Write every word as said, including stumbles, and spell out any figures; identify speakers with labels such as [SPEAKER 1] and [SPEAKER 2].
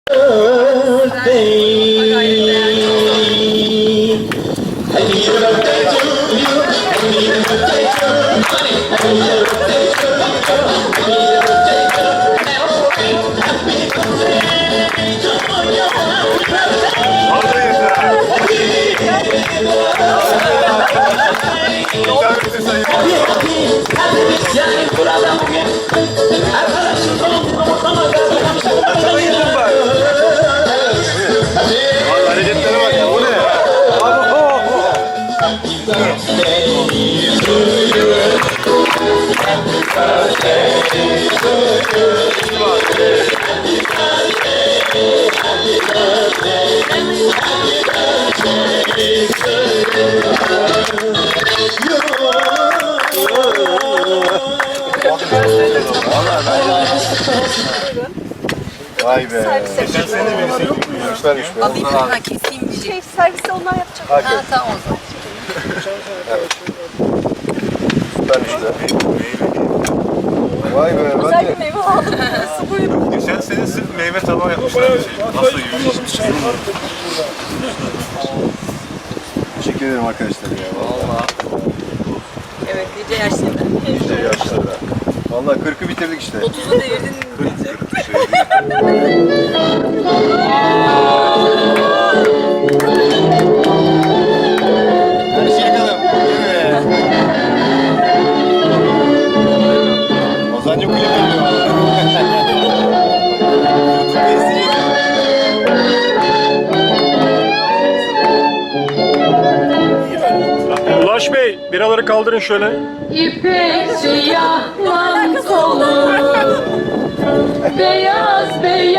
[SPEAKER 1] Hareketlere bak ya, bu ne? Vay be. Geçen sene birisi yürümüşlermiş be.
[SPEAKER 2] Alayım ha keseyim diyecek.
[SPEAKER 3] Şey, servisi onlar yapacak.
[SPEAKER 2] Ha tamam o zaman.
[SPEAKER 1] Süpermiş be. Vay be. Ben
[SPEAKER 3] Güzel
[SPEAKER 1] de...
[SPEAKER 3] bir meyve aldım. Su buyurun.
[SPEAKER 1] Geçen sene sırf meyve tabağı yapmışlar. Nasıl yürüyüş? Teşekkür ederim arkadaşlar ya. Vallahi.
[SPEAKER 2] Evet nice yaşlarda.
[SPEAKER 1] İşte yaşlarda. Vallahi kırkı bitirdik işte.
[SPEAKER 2] otuzu devirdin diyecek.
[SPEAKER 1] Her şey yakalım. Değil mi? Ozan'cı kulüp yapıyor. YouTube'da izleyeceğiz.
[SPEAKER 4] Ulaş Bey, biraları kaldırın şöyle.
[SPEAKER 5] İpek siyah kolu, beyaz beyaz